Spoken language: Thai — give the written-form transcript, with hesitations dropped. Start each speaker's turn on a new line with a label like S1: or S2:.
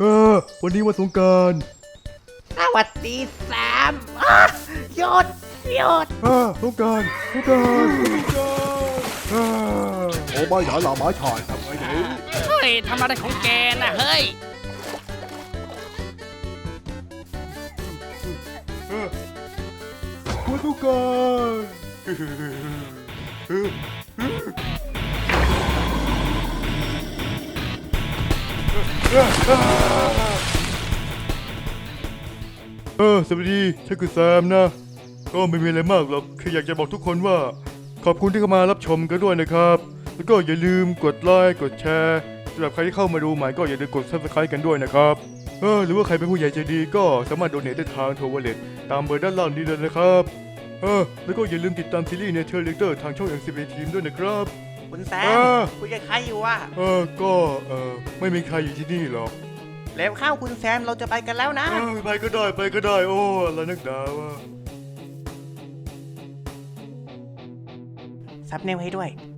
S1: วันนี้วันสงกรานต์
S2: สวัสดีแซมหยุด
S1: สงกรานต์โอ้ไม่หาหลาไม้ถ่ายทำไงดี
S3: เฮ้ยทำอะไรของแกน่ะเฮ้ย
S1: วันสงกรานต์สวัสดีฉันคือแซมนะก็ไม่มีอะไรมากหรอกแค่อยากจะบอกทุกคนว่าขอบคุณที่เข้ามารับชมกันด้วยนะครับแล้วก็อย่าลืมกดไลค์กดแชร์สำหรับใครที่เข้ามาดูใหม่ก็อย่าลืมกด Subscribe กันด้วยนะครับหรือว่าใครเป็นผู้ใหญ่ใจดีก็สามารถโดเนทได้ทางโทรวอลเล็ตตามเบอร์ด้านล่างนี้เลยนะครับแล้วก็อย่าลืมติดตามซีรีส์ Nature Leader ทางช่อง MCV Team ด้วยนะครับ
S2: คุณแซมคุยกับใครอยู่วะ
S1: ก็ไม่มีใครอยู่ที่นี่หรอก
S2: แล้วเข้าคุณแซมเราจะไปกันแล้วนะ
S1: ไปก็ได้โอ้อะไรนักหนาวะ
S2: ซับเนลให้ด้วย